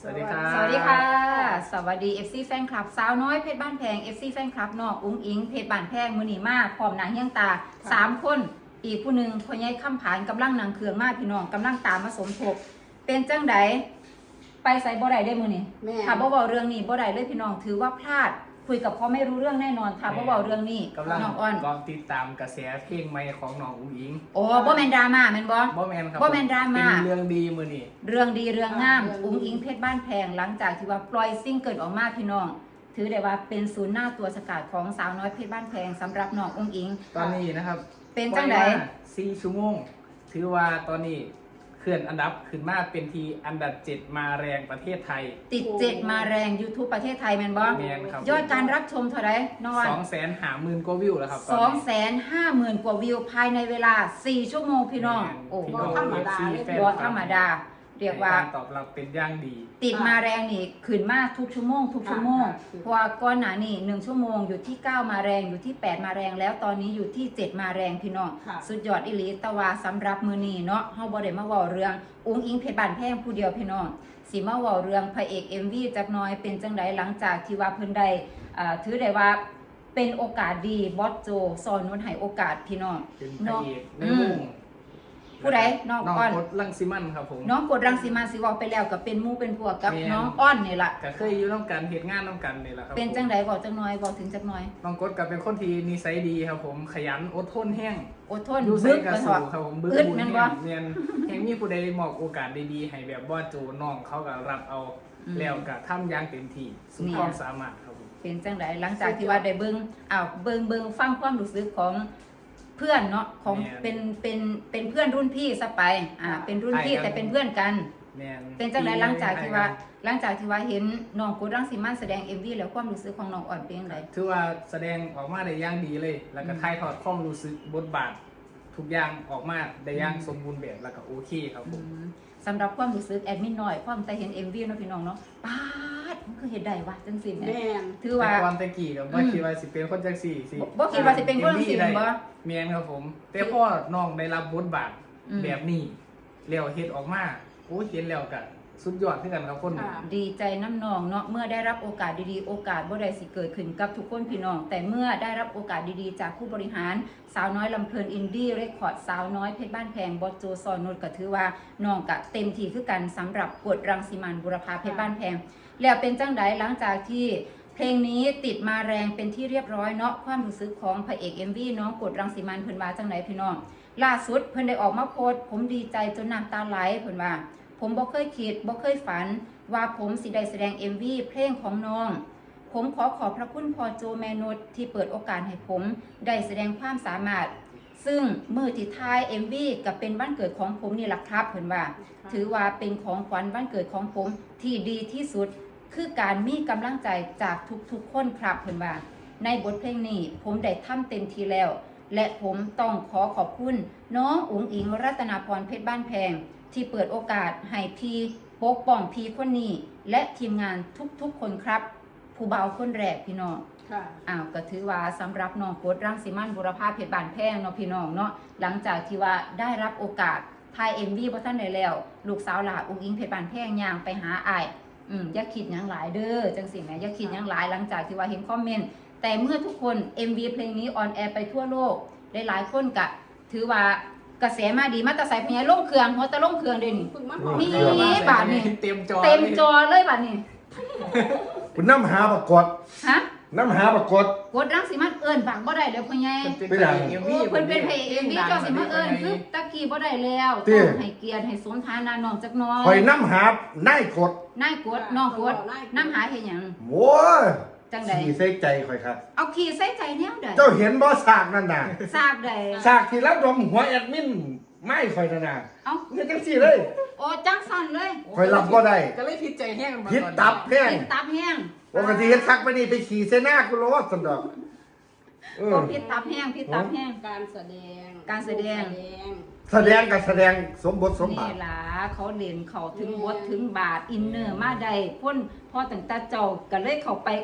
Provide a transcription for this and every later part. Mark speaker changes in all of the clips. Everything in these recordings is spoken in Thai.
Speaker 1: วัสดีครับ
Speaker 2: สวัสดีค่ะสวัสดี FC แฟนคลับสาวน้อยเพชรบ้านแพง FC แฟนคลับนอกอุ้งอิงเพชรบ้านแพงมือหนีมากพร้อมหนังเฮี้ยงตา3 คนอีกผู้หนึ่งพ่อใหญ่ข้ามผานกำลังนางเครืองมากพี่น้องกำลังตามมาสมทบเป็นจังไดไปใส่บ่ได้ได้มือนี่ถ้าบ่เว้าเรื่องนี้บ่ได้เลยพี่น้องถือว่าพลาดคุยกับเขาไม่รู้เรื่องแน่นอนถ้าบ่เว้าเรื่องนี้
Speaker 1: กำลัง
Speaker 2: น้องอ้อน
Speaker 1: ลองติดตามกระแสเพลงใหม่ของน้องอุ้งอิง
Speaker 2: โอ้บ่แม่นดราม่าแม่นบ่
Speaker 1: บ่แมนครับ
Speaker 2: บ่แม่นดราม่า
Speaker 1: เป็นเรื่องดีมือนี่
Speaker 2: เรื่องดีเรื่องงามอุ้งอิงเพชรบ้านแพงหลังจากที่ว่าปล่อยซิงเกิลออกมาพี่น้องถือได้ว่าเป็นศูนย์หน้าตัวสกัดของสาวน้อยเพชรบ้านแพงสำหรับน้องอุ้งอิง
Speaker 1: ตอนนี้นะครับ
Speaker 2: เป็นจังได
Speaker 1: 4 ชั่วโมงถือว่าตอนนี้เคลื่อนอันดับขึ้นมาเป็นทีอันดับ7มาแรงประเทศไทย
Speaker 2: ติด7มาแรง YouTube ประเทศไทยแม่นบ่
Speaker 1: แม่นครับ
Speaker 2: ยอดการรับชมเท่าไหร่นอน
Speaker 1: 250,000 กว่าวิวแล้วครับ
Speaker 2: 250,000 กว่าวิวภายในเวลา4 ชั่วโมงพี่น้องโอ้บ่ธรรมดาบ่ธรรมดาเรียกว่า
Speaker 1: ตอบรับเป็นอย่างดี
Speaker 2: ติดมาแรงนี่ขึ้นมากทุกชั่วโมงเพราะว่าก่อนหน้านี้1 ชั่วโมงอยู่ที่9มาแรงอยู่ที่8มาแรงแล้วตอนนี้อยู่ที่7มาแรงพี่น้องสุดยอดอีหลีตะวาสำหรับมื้อนี้เนาะเฮาบ่ได้มาเว้าเรื่องอุ้งอิงเพชรบ้านแพงผู้เดียวพี่น้องสิมาเว้าเรื่องพระเอก MV จักหน่อยเป็นจังไดหลังจากที่ว่าเพิ่นได้ถือได้ว่าเป็นโอกาสดีบอสโจสอนนุชให้โอกาสพี่น้อง
Speaker 1: เป็นพระเอกในวง
Speaker 2: ผู้ใดน้องอ้อน
Speaker 1: กดรังสิมันครับผม
Speaker 2: น้องกดรังสิมันสิว่าไปแล้วก็เป็นหมู่เป็นพวกกับน้องอ้อนนี่ล่ะ
Speaker 1: ก็เคยอยู่ร่วมกันเฮ็ดงานร่วมกันนี่แหละครับ
Speaker 2: เป็นจังไดบอกจังน้อยบอกถึงจักหน่อย
Speaker 1: น้องกดก็เป็นคนที่นิสัยดีครับผมขยันอดทนแห้ง
Speaker 2: อดทน
Speaker 1: บึกกระสู้ครับผมบึกบุญแม่นแห่งมีผู้ใดมอบโอกาสดีๆให้แบบบ่โจน้องเขาก็รับเอาแล้วก็ทำอย่างเต็มที่สุดความสามารถครับผม
Speaker 2: เป็นจังไดหลังจากที่ว่าได้เบิ่งฟังความรู้สึกของเพื่อนเนาะของเป็นเพื่อนรุ่นพี่ซะไปเป็นรุ่นพี่แต่เป็นเพื่อนกันเป็นจังไดหลังจากที่ว่าเห็นน้องกดรังสิมันแสดง MV แล้วความรู้สึกของน้องอ่อนเป็นจังได
Speaker 1: ถือว่าแสดงออกมาได้อย่างดีเลยแล้วก็ถ่ายทอดความรู้สึกบทบาททุกอย่างออกมาได้อย่างสมบูรณ์แบบแล้วก็โอเคครับผม
Speaker 2: สำหรับความรู้สึกแอดมินน้อยความแต่เห็น MV เนาะพี่น้องเนาะป๊าดมันคือเฮ็ดได้วะจังซี่แม่
Speaker 1: ถือว่าความตะกี้ก็บ่คิดว่าสิเป็นคนจังซี่สิ
Speaker 2: บ่คิดว่าสิเป็นคนจังซี่บ่
Speaker 1: แม่นครับผมแต่พอน้องได้รับบทบาทแบบนี้แล้วเฮ็ดออกมาโอ้เห็นแล้วก็สุดยอดคือกันครับคน
Speaker 2: ดีใจน้ำนองเนาะเมื่อได้รับโอกาสดีๆโอกาสบ่ได้สิเกิดขึ้นกับทุกคนพี่น้องแต่เมื่อได้รับโอกาสดีๆจากผู้บริหารสาวน้อยลำเพลินอินดี้เรคคอร์ดสาวน้อยเพชรบ้านแพงบอสโจซอนนุชก็ถือว่าน้องก็เต็มที่คือกันสำหรับกฎรังสิมันบุรพาเพชรบ้านแพงแล้วเป็นจังไดหลังจากที่เพลงนี้ติดมาแรงเป็นที่เรียบร้อยเนาะความรู้สึกของพระเอก MV น้องกฎรังสิมันเพิ่นว่าจังไดพี่น้องล่าสุดเพิ่นได้ออกมาโพสต์ผมดีใจจนน้ำตาไหลเพิ่นว่าผมบ่เคยคิดบ่เคยฝันว่าผมสิได้แสดง MV เพลงของน้องผมขอบพระคุณพ่อโจแมนุชที่เปิดโอกาสให้ผมได้แสดงความสามารถซึ่งมือที่ท้าย MV กับเป็นวันเกิดของผมนี่แหละครับเพิ่นว่าถือว่าเป็นของขวัญวันเกิดของผมที่ดีที่สุดคือการมีกำลังใจจากทุกๆคนครับเพิ่นว่าในบทเพลงนี้ผมได้ทำเต็มที่แล้วและผมต้องขอบคุณน้องอุ๋งอิงรัตนาพรเพชรบ้านแพงที่เปิดโอกาสให้พี่ปกป้องพี่คนนี้และทีมงานทุกคนครับผู้เบาคนแรกพี่น้องก็ถือว่าสำหรับน้องกดรังสิมันบุรพาเพชรบ้านแพงเนาะพี่น้องเนาะหลังจากที่ว่าได้รับโอกาสถ่าย MV บ่ทันได้แล้วลูกสาวหลาอุ้งอิงเพชรบ้านแพงย่างไปหาอ้ายอย่าคิดหยังหลายเด้อจังสิแม่อย่าคิดหยังหลายหลังจากที่ว่าเห็นคอมเมนต์แต่เมื่อทุกคน MV เพลงนี้ออนแอร์ไปทั่วโลกหลายคนก็ถือว่ากระแสมาดีมาแต่ใส่พญาล่งเครื่องหัวตะล่งเครื่องเดี๋ยวนี้นี่บาทนี่
Speaker 1: เต็มจอ
Speaker 2: เลยบาทนี่
Speaker 3: คุณน้ำหาประกฏ
Speaker 2: ฮะ
Speaker 3: น้ำหาประกฏ
Speaker 2: กดรังสิมันเอิญบางบ่ได้แล้วพ่อใหญ่
Speaker 1: เพิ่
Speaker 2: นเป็นเพลง MV เจ้าสิมาเอิญคือตะกี้บ่ได้แล้วต้องให้เกียรติให้สมฐานะน้องจักหน่อย
Speaker 3: ข่อยน้ำหาได้กด
Speaker 2: นายกดน้องกดน้ำหาเฮ็ดหยัง
Speaker 3: โว้ย
Speaker 2: จังได๋
Speaker 3: ขี้ใส่ใจข่อยครับ
Speaker 2: เอาขี้ใส่ใจแนวใด
Speaker 3: เจ้าเห็นบ่ซากนั่นน่ะ
Speaker 2: ซากใด
Speaker 3: ซากที่รับดมหัวแอดมินไม่ข่อยนั่นน่ะ
Speaker 2: เอ้า
Speaker 3: เฮ็ดจังซี่เลย
Speaker 2: โอ้จังสั่นเลย
Speaker 3: ข่อยรับบ่ได้
Speaker 1: ก็เลยผิดใจแห้ง
Speaker 3: ผิดตับแห้งปกติเฮ็ดซักไปนี่ไปขี่เสหน้ากูโลดซั่นดอก
Speaker 2: ผิดตับแห้ง
Speaker 4: การแสดง
Speaker 2: กับแสด
Speaker 3: งสมบทสมบาท
Speaker 2: นี่ล่ะเขาเล่นเขาถึงบทถึงบาทอินเนอร์มาได้พ้นพอตั้งแต่เจ้าก็เลยเข้าไป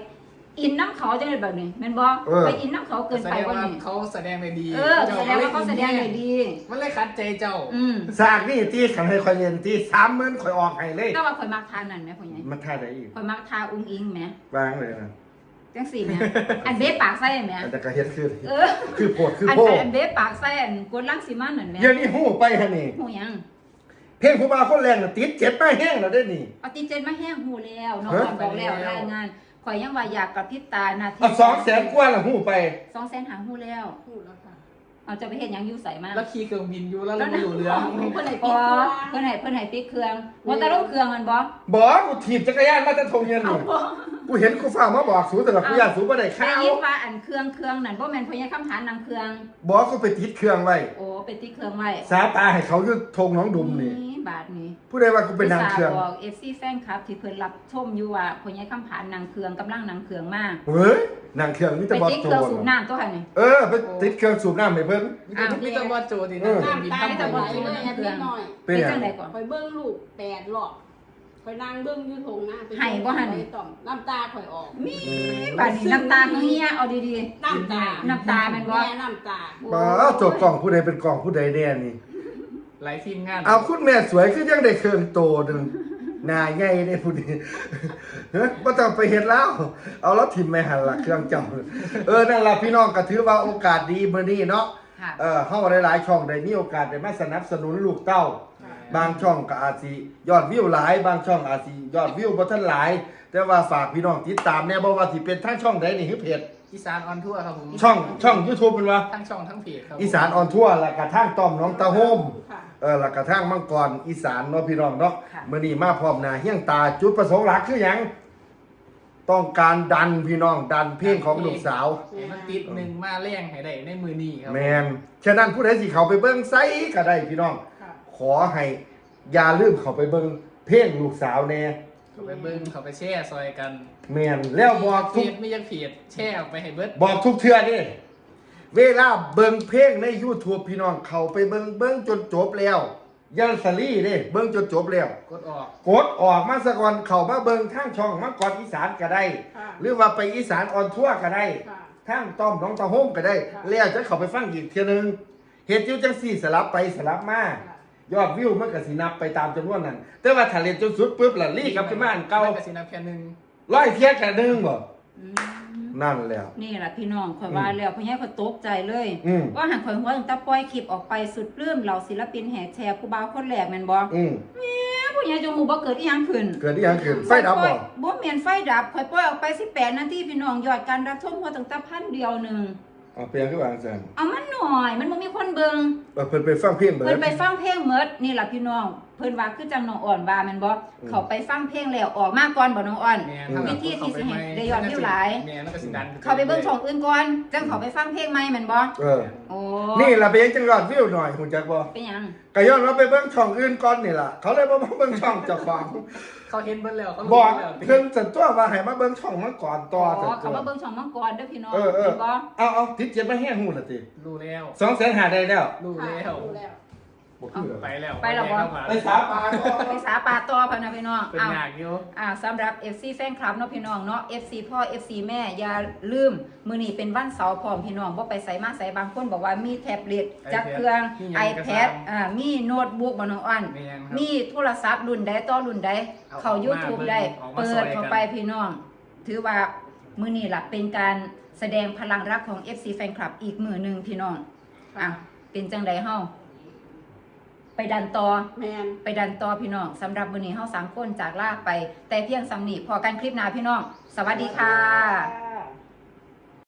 Speaker 2: อินน้ำเขาจังเลยแบบนี้แม่นบ่ไปอินน้ำเขาเกิน
Speaker 1: แส
Speaker 2: ไป
Speaker 1: ดง
Speaker 2: บ่
Speaker 1: ว่า
Speaker 2: นี่
Speaker 1: เขาแสดงได้ดี
Speaker 2: แสดงว่าเขาแสดงได้ดี
Speaker 1: มันเลยขัดใจเจ้า
Speaker 3: สร้างนี่ตีขันให้คอยเรียนตี30,000คอยออกให้เลย
Speaker 2: แต่ว่าข่อยมักทานั่นแหมพ่อใหญ่
Speaker 3: มันท่าได้อีก
Speaker 2: ข่อยมักทาอุ้งอิงแหม
Speaker 3: วางเลยนะ
Speaker 2: จังซี่แหมอันเบ๊ปากใส่แหม
Speaker 3: อันแต่ก็เฮ็ดคือ
Speaker 2: เออ
Speaker 3: คือโพดคือ
Speaker 2: อัน
Speaker 3: โพด
Speaker 2: อันเบ๊ปากใส่อันกวนลังสิมันนั่นแหม
Speaker 3: เดี๋ยวนี้ฮู้ไปฮะนี่
Speaker 2: ฮู้หยัง
Speaker 3: เพลงผู้บ่าวคนแรงน่ะติดเจ็บมาแห้งแล้วเด้นี่
Speaker 2: เอาติเจนมาแห้งฮู้แล้วน้องอ่อนบอกแล้วรายงานข่อยยังว่าอยากกับพริบตานาที
Speaker 3: เอา200,000กว่าละฮู้ไป
Speaker 2: 200,000หาฮู้แล้ว
Speaker 4: พูดแล้วค่ะ
Speaker 2: เอาจะไปเฮ็ดหยังอยู่ไสมา
Speaker 1: แล้วขี่เครื่องบินอยู่แล้วเราไม่รู้เรื่อง
Speaker 4: เพื่อนไหน
Speaker 2: อ๋
Speaker 4: ปิ
Speaker 2: อ
Speaker 4: ดตัว
Speaker 2: เพิ่นให้ปิดเครื่องว่าแต่ลงเครื่องมันบ่
Speaker 3: บ่กูถีบจักรยานมาแต่ทงเงินนี่กูเห็นกูฟ้ามาบอกสูแต่ละกูย่านสูบ่ได้
Speaker 2: ได้
Speaker 3: ข้าว
Speaker 2: ยินว่าอันเครื่องนั่นบ่แม่นพญาคำหานางเครื่อง
Speaker 3: บ่กูไปติดเครื่องไว้
Speaker 2: โอ้ไปติดเครื่องไว้
Speaker 3: สาตาให้เขาอยู่ทงหน้องดุมนี่
Speaker 2: บาทนี้
Speaker 3: ผู้ใดว่ากูเป็นนางเครื่อง
Speaker 2: บอก FC แฟนคลับที่เพิ่นรับชมอยู่ว่าพญาคำผานนางเครื่องกำลังนางเครื่องมา
Speaker 3: เฮ้ยนางเครื่องมี
Speaker 2: ไป
Speaker 3: แต่บอส
Speaker 2: ติด
Speaker 3: โจ
Speaker 2: เครื่อง
Speaker 3: ร
Speaker 2: สูบน้ำตัวค่ะนี่
Speaker 3: ไปติดเครื่องสูบน้ำให้เพิ่น
Speaker 1: มีแต่ว่าโจดีนะบิน
Speaker 4: น้ำตา
Speaker 1: ทำ
Speaker 4: จะ
Speaker 1: ไป
Speaker 4: ไหลเลยนิดหน่อย
Speaker 3: เป็น
Speaker 2: เป็น
Speaker 3: หยั
Speaker 2: จั
Speaker 3: ง
Speaker 2: งไดก่อน
Speaker 4: คอยเบิ้งลูก8 รอบคอยนั่งเบิ้งอยู่ทงหน้า
Speaker 2: ให้บ่หั่น
Speaker 4: ต่อมน้ำตาคอยออก
Speaker 2: มีบาดนี้น้ำตาเฮียเอาดี
Speaker 4: น้ำตา
Speaker 2: น้ำตาแม่นบ่
Speaker 4: แม่น้ำตา
Speaker 2: ๆ
Speaker 3: บ่โจทย์กล่องผู้ใดเป็นกล่องผู้ใดแน่นี่
Speaker 1: หลายทีมงาน
Speaker 3: เอาคุณแม่สวยคือยังได้เครื่องโตนึงหน้าใหญ่ได้ผู้นี้เฮ้ยบ่ต้องไปเฮ็ดแล้ว เอาแล้วทิ่มแม่หันละเครื่องเจ้านั่นล่ะพี่น้องก็ถือว่าโอกาสดีมื้อนี้เนาะ
Speaker 2: ค่ะ
Speaker 3: เฮาหลายๆช่องได้มีโอกาสได้มาสนับสนุนลูกเต้า บางช่องก็อาจสิยอดวิวหลาย บางช่องอาจสิยอดวิวบ่ทันหลาย แต่ว่าฝากพี่น้องติดตามแน่บ่ว่าสิเป็นทางช่องใดนี่คือเพจ
Speaker 1: อีสานออนทัวร์ครับผม
Speaker 3: ช่อง YouTube เป็นว่า
Speaker 1: ทั้งช่องทั้งเพจครับ
Speaker 3: อีสานออนทัวร์แล้วก็ทางต้อมน้องตาโฮม
Speaker 4: ค่ะ
Speaker 3: แล้วก็ทางมังกรอีสานเนาะพี่น้องเนาะ
Speaker 2: ค่ะ
Speaker 3: มื้อนี้มาพร้อมหน้าเฮียงตาจุดประสงค์หลักคือหยังต้องการดันพี่น้องดันเพลงของลูกสาว
Speaker 1: ให้มันติดหนึ่งมาแรงให้ได้ในมือนี้ครับ
Speaker 3: แมนฉะนั้นผู้ใดสิเข้าไปเบิ่งไสก็ได้พี่น้อง
Speaker 4: ค่ะ
Speaker 3: ขอให้อย่าลืมเข้าไปเบิ่งเพลงลูกสาวแน่
Speaker 1: เขาไปเบิ้งเขาไปแช่ซอยกัน
Speaker 3: แมนแล้วบอก
Speaker 1: เพ
Speaker 3: ทุก
Speaker 1: จไม่ยังเพจแช่ออกไปให้เบิด
Speaker 3: บอกทุกเทื่อนี่เวลาเบิ่งเพลงใน YouTube พี่น้องเข้าไปเบิ่งจนจบแล้วยันสลี่เด้เบิ่งจนจบแล้ว
Speaker 1: กดออก
Speaker 3: กดออกมาซะก่อนเข้ามาเบิ่งทางช่องมังกรอีสานก็ได้
Speaker 4: ค่ะ
Speaker 3: หรือว่าไปอีสานออนทัวร์ก็ได้
Speaker 4: ค่ะ
Speaker 3: ทางต้อมน้องตาโฮมก็ได้
Speaker 4: ค่ะ
Speaker 3: แล้วจะเข้าไปฟังอีกเทื่อนึงเฮ็ดอยู่จังซี่สลับไปสลับมา
Speaker 4: ค่ะ
Speaker 3: ยอดวิวมันก็สินับไปตามจำนวนนั้นแต่ว่าถ้าเล่นจนสุดปุ๊บล่ะลี่กลับไปบ้านเก่า
Speaker 1: ไปสินับแค่หนึ่ง
Speaker 3: ร้อยเที่ยแค่นึงบ่
Speaker 2: อืม
Speaker 3: นั่นแหล้ว
Speaker 2: นี่แหละพี่น้องข่อยว่าแล้วพ่อใหญ่ข่อยตกใจเลย
Speaker 3: อืม
Speaker 2: ว่าหันข่อยหัวตั้งแต่ปล่อยคลิปออกไปสุดปลื้มเหล่าศิลปินแห่แชร์ผู้บ่าวคนแรกแม่นบ่
Speaker 3: อืม
Speaker 2: ผู้ใหญ่จงหูบ่เกิดอีหยังขึ้น
Speaker 3: เกิดอีหยังขึ้นไฟดับบ่
Speaker 2: บ่แม่นไฟดับข่อยปล่อยออกไป18นาทีพี่น้องยอดการรับชมหัวตั้งแต่1,000เดียวหนึง
Speaker 3: เอาเปลี่ยนคือว่าจังซั่น
Speaker 2: เอามันหน่อยมันบ่มีคนเบิ่ง
Speaker 3: เพิ่นไปฟังเพลงเบิด
Speaker 2: เพิ่นไปฟังเพลงเมิดนี่ล่ะพี่น้องเพิ่นว่าคือจังน้องอ่อนว่าแม่นบ่เขาไปฟังเพลงแล้วออกมาก่อนบ่น้องอ่อน
Speaker 1: แม่
Speaker 2: วิธีที่สิให้ได้ยอดวิวหลาย
Speaker 1: แม่แล้วก็สิดัน
Speaker 2: เขาไปเบิ่งช่องอื่นก่อนจังเขาไปฟังเพลงใหม่แม่นบ่ โอ้
Speaker 3: นี่ล่ะไปยังจังยอดวิวหน่อยฮู้จักบ่
Speaker 2: เป็นหยัง
Speaker 3: ก็ย้อนว่าไปเบิ่งช่องอื่นก่อนนี่ล่ะเขาเลยบ่มาเบิ่งช่องเจ้าของ
Speaker 1: เขาเห็นเบิดแล้วเขา
Speaker 3: บอก
Speaker 1: แล้ว
Speaker 3: เพิ่นสันตัวว่าให้มาเบิ่งช่องมันก่อนต่อสัน
Speaker 2: เขา
Speaker 3: ตัว
Speaker 2: มาเบิ่งช่องมังกรเด้อพี่น้อง
Speaker 3: เออ
Speaker 2: เห็นบ่
Speaker 3: เอาติดเจ็บมาแห้งฮู้ล่ะติ
Speaker 1: รู้แล้ว
Speaker 3: 200,000หาได้แล้ว
Speaker 1: รู้
Speaker 4: ค่ะ
Speaker 1: แล้ว
Speaker 4: รู้แล้ว
Speaker 3: บ่คือ
Speaker 1: ไปแล้ว
Speaker 2: ไปแล้วบ่
Speaker 3: ไปสาปาก็
Speaker 2: ไปสาปาต่อพะนะพี่น้อง
Speaker 1: เป็น
Speaker 2: อ้าว
Speaker 1: ยากอยู่
Speaker 2: สำหรับ FC แฟนคลับเนาะพี่น้องเนาะ FC พ่อ FC แม่อย่าลืมมื้อนี้เป็นวันเสาร์พร้อมพี่น้องบ่ไปไสมาไสบางคนบอกว่ามีแท็บเล็ตจักเครื่อง iPad มีโน้ตบุ๊กบ่น้องอ้อน
Speaker 1: แม่นครับ
Speaker 2: มีโทรศัพท์รุ่นใดต่อรุ่นใด
Speaker 1: เอา
Speaker 2: เข้า YouTube ได้
Speaker 1: ออกมา
Speaker 2: เปิ
Speaker 1: ซอ
Speaker 2: ด
Speaker 1: ยกัน
Speaker 2: เข้าไปพี่น้อง ถือว่ามื้อนี้ล่ะเป็นการแสดงพลังรักของ FC แฟนคลับอีกมื้อหนึงพี่น้องอ่ะเป็นจังไดเฮาไปดันต่อ
Speaker 4: แมน
Speaker 2: ไปดันต่อพี่น้องสำหรับมื้อนี้เฮา3คนจากลาไป แต่เพียงสำนีพอกันคลิปหน้าพี่น้อง สวัสดีค่ะ